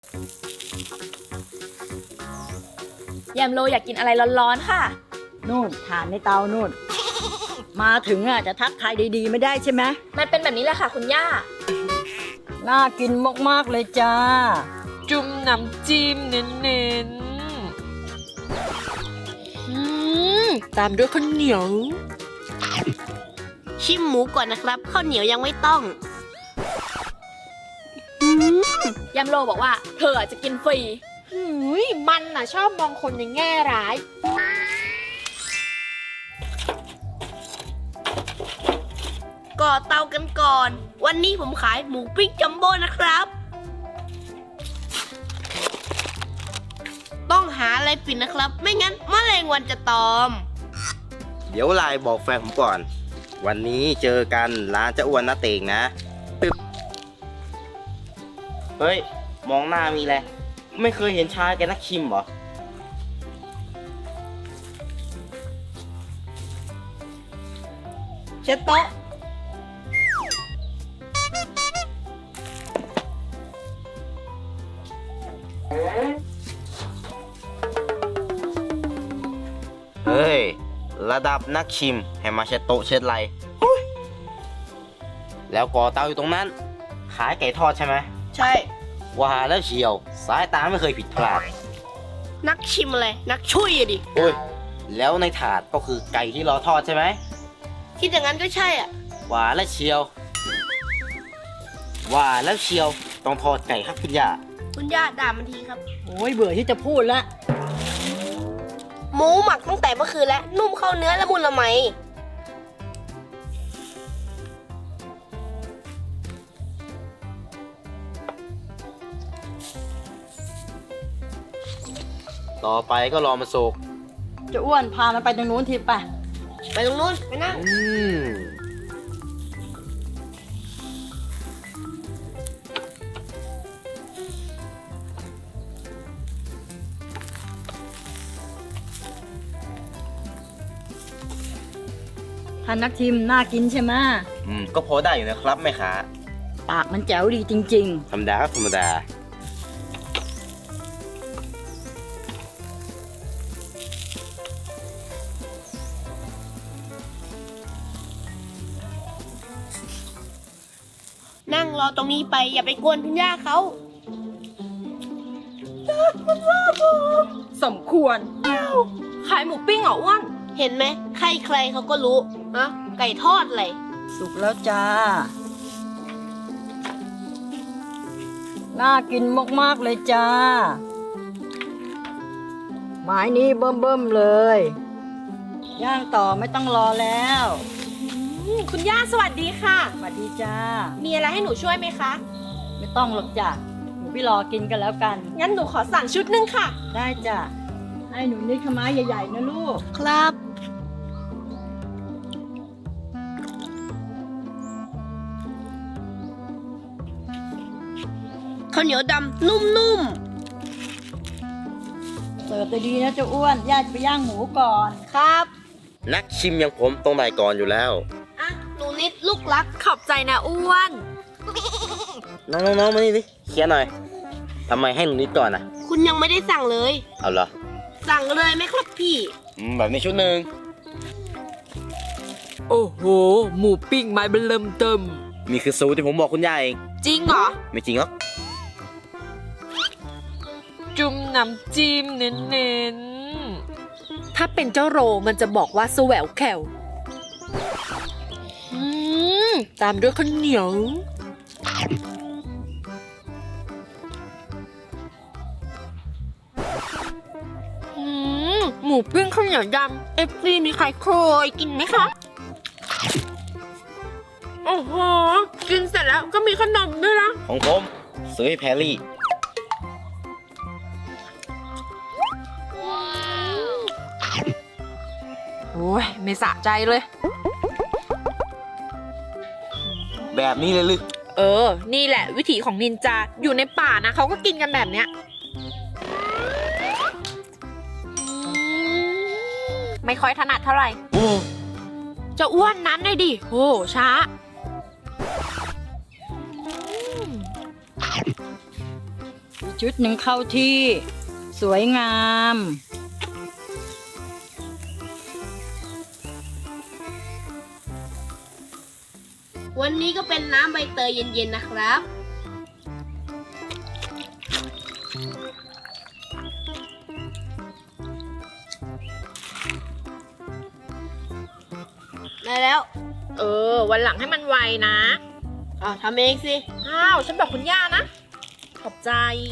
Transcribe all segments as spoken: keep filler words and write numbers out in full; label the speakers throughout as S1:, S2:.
S1: แยมโลอยากกินอะไรร้อนๆค่ะ
S2: นู่นฐานในเตานู่น มาถึงอ่ะจะทักทายดีๆไม่ได้ใช่ไหม
S1: มันเป็นแบบนี้แหละค่ะคุณย่า
S2: น่ากินมากๆเลยจ้า
S3: จุ่มน้ำจิ้มเน้นๆอืมตามด้วยข้าวเหนียว
S4: ชิมหมูก่อนนะครับข้าวเหนียวยังไม่ต้อง
S1: แยมโลบอกว่าเธอจะกินฟรี
S3: หืยมันน่ะชอบมองคนในแง่ร้าย
S4: ก่อเตากันก่อนวันนี้ผมขายหมูปิ้งจัมโบ้นะครับต้องหาอะไรปิดนะครับไม่งั้นแมลงวันจะตอม
S5: เดี๋ยวไลน์บอกแฟนผมก่อนวันนี้เจอกันร้านเจ้าอ้วนนะเตงนะปึ๊บเฮ้ยมองหน้ามีอะไรไม่เคยเห็นชายแกนักชิมเหรอ
S4: เช็ดโต๊ะ
S5: เฮ้ยระดับนักชิมให้มาเช็ดโต๊ะเช็ดไรแล้วก่อเตาอยู่ตรงนั้นขายไก่ทอดใช่ไหม
S4: ใช่
S5: ว่าแล้วเชียวสายตาไม่เคยผิดพลาด
S4: นักชิมอะไรนักช่วยอะดิ
S5: โอ้ยแล้วในถาดก็คือไก่ที่รอทอดใช่ไหม
S4: คิดอย่างนั้นก็ใช่อ่ะ
S5: ว่าแล้วเชียวว่าแล้วเชียวต้องทอดไก่ครับคุณย่า
S4: คุณย่าด่ามันทีครับ
S2: โอ้ยเบื่อที่จะพูดละ
S4: หมูหมักตั้งแต่เมื่อคืนแล้วนุ่มเข้าเนื้อละมุนละไม
S5: ต่อไปก็รอมาสุก
S2: จะอ้วนพามันไปตรงนู้นทีไป
S4: ไปตรงนู้นไปนั่ง
S5: อืม
S2: ท่านนักชิมน่ากินใช่ไหม
S5: อืมก็พอได้อยู่นะครับแม่ค้า
S2: ปากมันแจ๋วดีจริง
S5: ธรรมดาครับธรรมดา
S4: นั่งรอตรงนี้ไปอย่าไปกวนคุณย่าเขา
S3: สมควรขายหมูปิ้งเหรออ้วน
S4: เห็นไหมใครใครเขาก็รู้นะไก่ทอดอะไร
S2: ๆสุกแล้วจ้าน่ากินมากๆเลยจ้าหมายนี้เบิ่มๆเลยย่างต่อไม่ต้องรอแล้ว
S3: คุณย่าสวัสดีค่ะ
S2: สวัสดีจ้า
S3: มีอะไรให้หนูช่วยไหมคะ
S2: ไม่ต้องหรอกจ้ะหนูพี่รอกินกันแล้วกัน
S3: งั้นหนูขอสั่งชุดหนึ่งค่ะ
S2: ได้จ้ะให้หนูนิดขม้าใหญ่ๆนะลูก
S4: ครับข้าวเหนียวดำนุ่ม
S2: เสิร์ฟดีๆนะเจ้าอ้วนย่าจะไปย่างหมูก่อน
S4: ครับ
S5: นักชิมอย่างผมต้องได้ก่อนอยู่แล้ว
S4: อ่ะหนูนิดลูกรัก
S3: ขอบใจนะอ้วน
S5: น้องๆๆมานี่ดิเคลียร์หน่อยทำไมให้หนูนิดก่อนอ่ะ
S4: คุณยังไม่ได้สั่งเลย
S5: เอาเหรอ
S4: สั่งเลยไหมครับพี่
S5: อืมแบบนี้ชุดหนึ่ง
S3: โอ้โหหมูปิ้งไม้เบิ่มเติม
S5: นี่คือสูตรที่ผมบอกคุณย่าเอง
S3: จริงเหรอ
S5: ไม่จริงหรอก
S3: จุ่มน้ำจิ้มเน้นๆถ้าเป็นเจ้าโรมันจะบอกว่าสแหววแขวอืมตามด้วยข้าวเหนียวอืมหมูปิ้งข้าวเหนียวดำเอฟซีมีใครเคยกินไหมคะโอ้โหกินเสร็จแล้วก็มีขนมด้วยนะ
S5: ของผมซื้อให้แพรรี่
S3: โอ้ยไม่สะใจเลย
S5: แบบนี้เลยลึก
S3: เออนี่แหละวิถีของนินจาอยู่ในป่านะเขาก็กินกันแบบเนี้ยไม่ค่อยถนัดเท่าไหร่จะอ้วนนั้นเลยดิโอ้ช้า
S2: ชุดหนึ่งเข้าที่ สวยงาม
S4: วันนี้ก็เป็นน้ำใบเตยเย็นๆนะครับ ได้แล้ว
S3: เออ วันหลังให้มันไวนะ
S4: อ้าวทำเองสิ
S3: อ้าว ฉันบอกคุณย่านะ ขอบใจ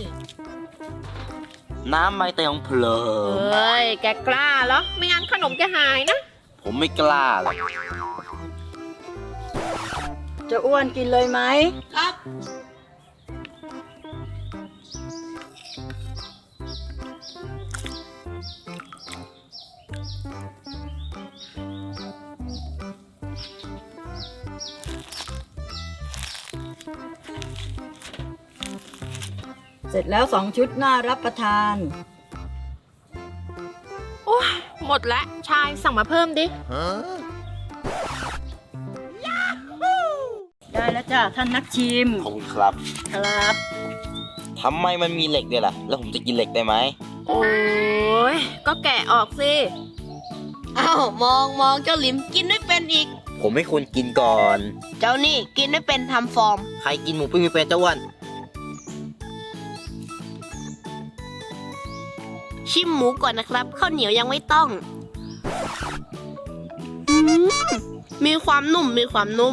S5: น้ำใบเตยของเพลิ
S3: เฮ้ย แกกล้าเหรอ ไม่งั้นขนมจะหายนะ
S5: ผมไม่กล้าหรอก
S2: จะอ้วนกินเลยไหม
S4: ครับ
S2: เสร็จแล้วสองชุดน่ารับประทาน
S3: โอ้ยหมดแล้ว ชายสั่งมาเพิ่มดิ
S2: ได้แล้วจ้าท่านนักชิม
S5: ขอบคุณครับ
S2: ครับ
S5: ทำไมมันมีเหล็กด้วยล่ะ แล้วผมจะกินเหล็กได้ไหม
S3: โอ้ย ก็แกะออกสิ
S4: อ้าว มองมองเจ้าหลิมกินไม่เป็นอีก
S5: ผมไม่ควรกินก่อน
S4: เจ้านี่กินไม่เป็นทำฟอร์ม
S5: ใครกินหมูปิ้งไม่เป็นเจ้าอ้วน
S4: ชิมหมูก่อนนะครับข้าวเหนียวยังไม่ต้องอืมมีความนุ่มมีความนุ่ม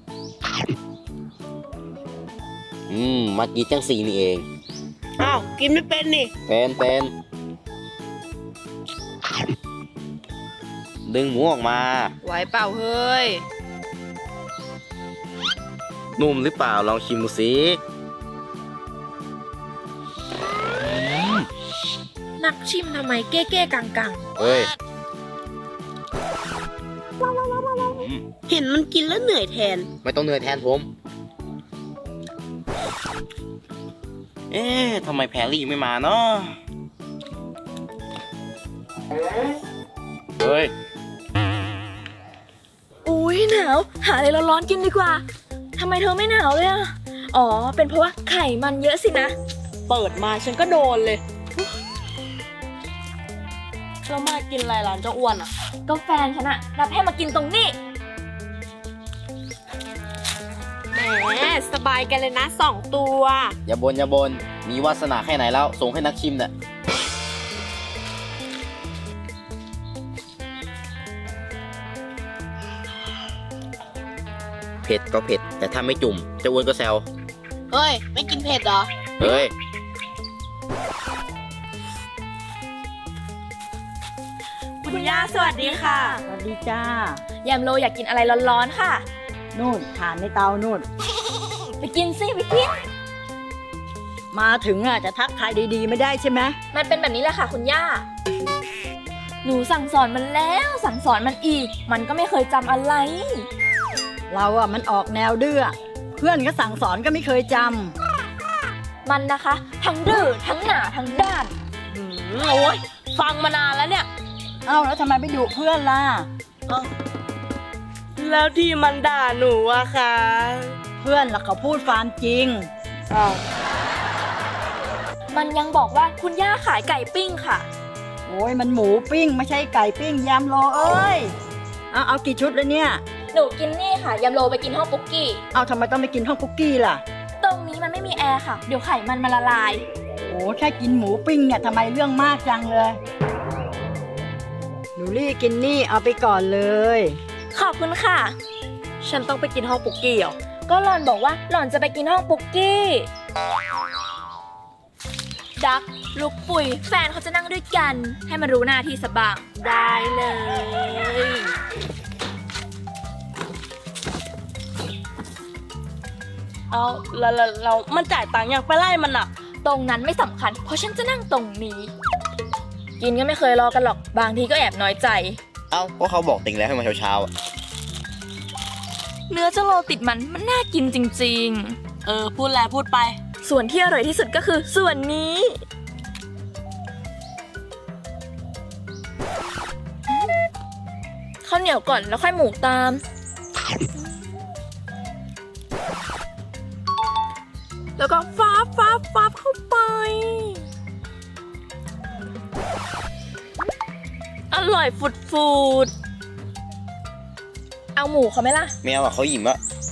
S5: อืม มากินจังสีนี่เอง
S4: อ้าวกินไม่เป็นนี่
S5: เป็นเป็นดึงหมูออกมา
S3: ไหวเปล่าเฮ้ย
S5: นุ่มหรือเปล่าลองชิมดูสิ
S3: นักชิมทำไมเก้เก้กังกัง
S5: เฮ้ย
S4: เห็นมันกินแล้วเหนื่อยแทน
S5: ไม่ต้องเหนื่อยแทนผม เอ๊ะทำไมแพรรี่ไม่มาเนาะเฮ้ย
S1: อุ้ยหนาว หาอะไรร้อนๆกินดีกว่า ทำไมเธอไม่หนาวเลยอะอ๋อ เป็นเพราะว่าไข่มันเยอะสินะ
S4: เปิดมาฉันก็โดนเลยเรามากินอะไรร้านเจ้าอ้วนอ่ะ
S1: ก็แฟนฉันอะรับให้มากินตรงนี้
S3: แหมสบายกันเลยนะสองตัว
S5: อย่าบนอย่าบน มีวาสนาแค่ไหนแล้ว ส่งให้นักชิมเนี่ยเผ็ดก็เผ็ด แต่ถ้าไม่จุ่มเจะอ้วนก็แซว
S4: เฮ้ย ไม่กินเผ็ดเหรอ
S5: เฮ้ย
S1: คุณย่าสวัสดีค่ะ
S2: สวัสดีจ้า
S1: แยมโลอยากกินอะไรร้อนๆค่ะ
S2: นู่นฐานในเตานู่น
S1: ไปกินสิไปกิน
S2: มาถึงอ่ะจะทักทายดีๆไม่ได้ใช่ไหม
S1: มันเป็นแบบนี้แหละค่ะคุณย่า หนูสั่งสอนมันแล้วสั่งสอนมันอีก มันก็ไม่เคยจำอะไร
S2: เราอ่ะมันออกแนวดื้อ เพื่อนก็สั่งสอนก็ไม่เคยจ
S1: มันนะคะ ทั้งดื้อทั้งหนาทั้งด้าน
S4: อืมโอ้ยฟังมานานแล้วเนี่ย
S2: ำเอ้าแล้วทำไมไม่ดุเพื่อนล่ะ
S4: แล้วที่มันด่าหนูอะคะ
S2: เพื่อนล่ะเขาพูดความจริง
S4: อ้าว
S1: มันยังบอกว่าคุณย่าขายไก่ปิ้งค่ะ
S2: โอ้ยมันหมูปิ้งไม่ใช่ไก่ปิ้งยำโลเอ้ย เอาเอากี่ชุดแล้วเนี่ย
S1: หนูกินนี่ค่ะยำโลไปกินห้องปุ๊กกี้
S2: เอาทำไมต้องไปกินห้องคุกกี้ล่ะ
S1: ตรงนี้มันไม่มีแอร์ค่ะ เดี๋ยวไขมันมันละลาย
S2: โอ้แค่กินหมูปิ้งเนี่ยทำไมเรื่องมากจังเลย หนูรี่กินนี่เอาไปก่อนเลย
S1: ขอบคุณค่ะ
S4: ฉันต้องไปกินห้องปุกกี้เหรอ
S1: ก็หล่อนบอกว่าหล่อนจะไปกินห้องปุ๊กกี้ ดักลูกปุ๋ยแฟนเขาจะนั่งด้วยกัน ให้มันรู้หน้าที่สบาง
S4: ได้เลย เอาเราเราเรามันจ่ายตังค์ยังไปไล่มันอ่ะ
S1: ตรงนั้นไม่สำคัญ เพราะฉันจะนั่งตรงนี้ กินก็ไม่เคยรอกันหรอก บางทีก็แอบน้อยใจ
S5: เอ้าก็เขาบอกติงแล้วให้มาเช้าๆอะ
S1: เนื้อเจ้าโลติดมันมันน่ากินจริง
S4: เออ พูดแล้วพูดไป
S1: ๆ ส่วนที่อร่อยที่สุดก็คือส่วนนี้ ข้าวเหนียวก่อนแล้วค่อยหมูตาม
S3: แล้วก็ฟ้า
S1: บฟับฟับเข้าไป อร่อยฟุดฟูดเอาหมูเขาไหมล่ะ
S5: ไม่เอาอ่ะเขาหยิมอะ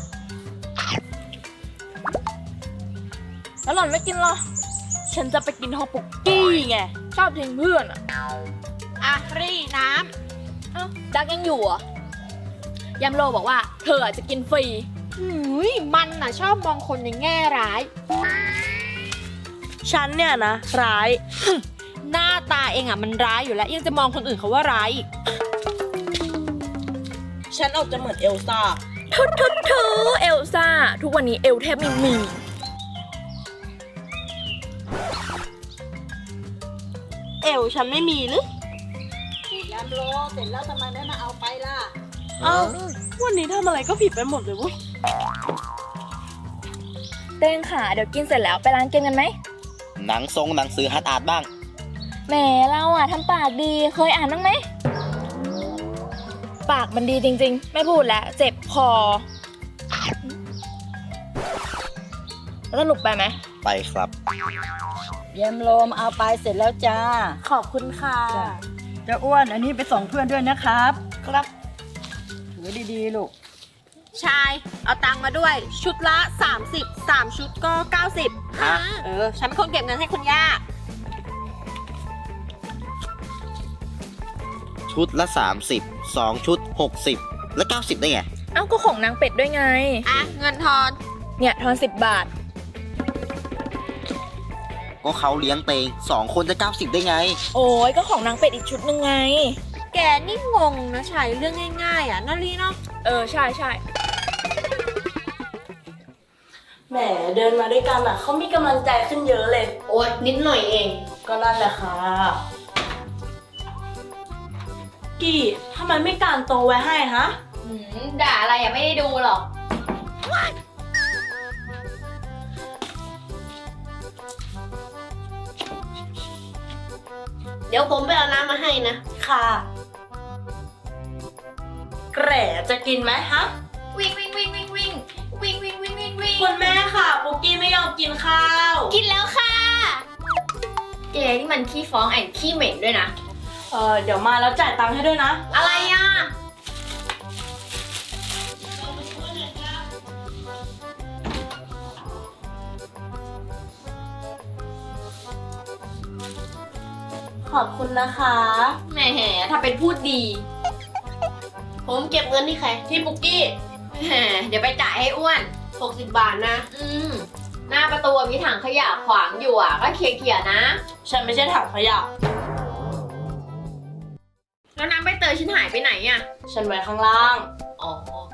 S1: แล้วหล่อนไม่กินเหรอ ฉันจะไปกินฮอปปุกกี้ไง ชอบทิ้งเพื่อนอ่ะ
S4: อ่ะรีน้
S1: เอ้าดักยังอยู่เหรอ่ะยำโลบอกว่าเธอจะกินฟรี
S3: หืยมันน่ะชอบมองคนในแง่ร้าย
S4: ฉันเนี่ยนะ ร้าย
S3: หน้าตาเองอ่ะมันร้ายอยู่แล้วยังจะมองคนอื่นเขาว่าร้ายอีก
S4: ฉันออกจะเหมือนเอลซ่า
S1: ทุทุทุเอลซ่า ทุกวันนี้เอลแทบไม่มี
S4: เอลฉันไม่มีหรือ
S2: ยำโลเสร็จแล้วทำไมไม่มาเอาไปล่ะ
S4: เอ้า วันนี้ทำอะไรก็ผิดไปหมดเลยเวุ้ย
S1: เต้งขาเดี๋ยวกินเสร็จแล้วไปร้านเกมกันไหม
S5: หนังทรงหนังสือฮัตอาร์ตบ้าง
S1: แหมเราอะทำปากดีเคยอ่านบ้างไหม ปากมันดีจริงๆ ไม่พูดแล้วเจ็บคอแล้วสรุปไปไหม
S5: ไปครับ
S2: ยำโลมาเอาไปเสร็จแล้วจ้า
S4: ขอบคุณค่ะ
S2: จ้ะ เจะอ้วนอันนี้ไปส่งเพื่อนด้วยนะครับ
S4: ครับ
S2: ถือดีๆลูก
S4: ชาย เอาตังค์มาด้วย ชุดละ สามสิบ สามชุดก็ เก้าสิบ
S5: ฮะ
S4: เออ ฉันเป็นคนเก็บเงินให้คุณย่า
S5: ชุดละสามสิบ สองชุดหกสิบแล้วเก้าสิบได้ไง
S1: เอ้าก็ของนางเป็ดด้วยไง
S4: อ่ะ เงินทอน
S1: เนี่ยทอนสิบบาท
S5: ก็เขาเลี้ยงเตงสองคนจะเก้าสิบได้ไง
S1: โอ้ยก็ของนางเป็ดอีกชุดหนึ่งไง
S3: แกนี่งงนะชายเรื่องง่ายๆอ่ะนารีเนาะ
S1: เออ ใช่ใช่
S4: แหมเดินมาด้วยกันอ่ะ เขามีกำลังใจขึ้นเยอะเลย โอ๊ย นิดหน่อยเอง ก็นั่นแหละค่ะ กี่ทำไมไม่การโตไว้ให้ฮะ
S3: หืมด่าอะไรอ่ะไม่ได้ดูหรอก
S4: เดี๋ยวผมไปเอาน้ำมาให้นะ ค่ะ แกร่จะกินไหมฮะ
S3: วิ่งวิ่งวิ่งวิ่งวิ่งวิ่งวิ่งวิ่งวิ่งวิ่ง
S4: คุณแม่ค่ะปุกกี้ไม่ยอมกินข้าว
S3: กินแล้วค่ะแกนี่มันขี้ฟ้องแอนขี้เหม็นด้วยนะ
S4: เออเดี๋ยวมาแล้วจ่ายตังค์ให้ด้วยนะ
S3: อะไรอ่ะ
S4: ขอบคุณนะคะ
S3: แหมถ้าเป็นพูดดี
S4: ผมเก็บเงินที่ใคร ที่ปุกกี้
S3: แหมเดี๋ยวไปจ่ายให้อ้วน
S4: หกสิบบาทนะ
S3: อืม หน้าประตูมีถังขยะขวางอยู่อ่ะ ก็เคลียร์ๆนะ
S4: ฉันไม่ใช่ถังขยะ
S3: แล้วน้ำใบเตยฉันหายไปไหนอ่ะ
S4: ฉันไว้ข้างล่าง
S3: อ๋อ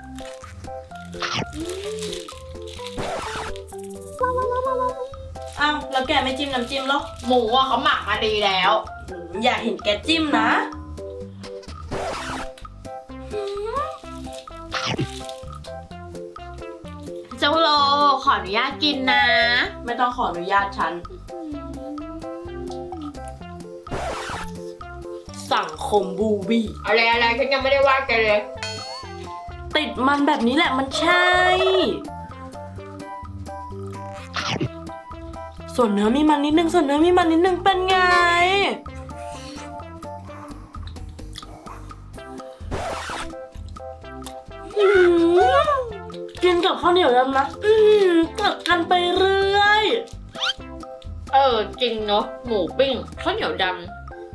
S4: อ้าว แล้วแกไม่จิ้มน้ำจิ้มหรอ
S3: หมูอ่ะเขาหมักมาดีแล้ว
S4: อืมอยากเห็นแกจิ้มนะ
S3: เจ้าโลขออนุญาตกินนะ
S4: ไม่ต้องขออนุญาตฉัน สังคมบูบี้
S3: อะไรอะไรฉันยังไม่ได้ว่าแกเลย
S4: ติดมันแบบนี้แหละมันใช่ ส่วนเนื้อมีมันนิดนึง ส่วนเนื้อมีมันนิดนึงเป็นไง อืมกินกับข้าวเหนียวยำนะ อืมกัดกันไปเรื่อย
S3: เออ จริงเนาะหมูปิ้งข้าวเหนียวดำ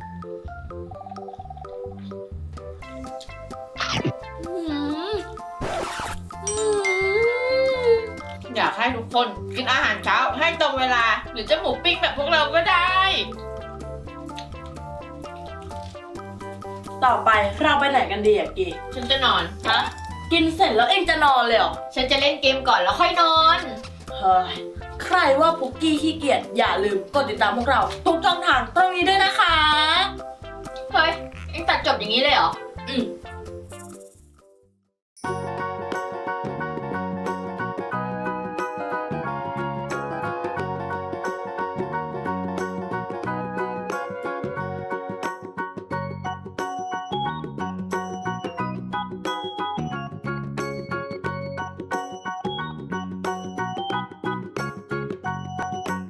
S3: อืมอืมอยากให้ทุกคนกินอาหารเช้าให้ตรงเวลา หรือจะหมูปิ้งแบบพวกเราก็ได้
S4: ต่อไปเราไปไหนกันดีอะกี
S3: ฉันจะนอน
S4: ฮะ กินเสร็จแล้วเองจะนอนเลยเหรอ
S3: ฉันจะเล่นเกมก่อนแล้วค่อยนอน
S4: เฮ้ย ใครว่าปุกกี้ขี้เกียจอย่าลืมกดติดตามพวกเราทุกช่องทางตรงนี้ด้วยนะคะ
S3: เฮ้ยเอ็งตัดจบอย่างนี้เลยเหรอ
S4: อืม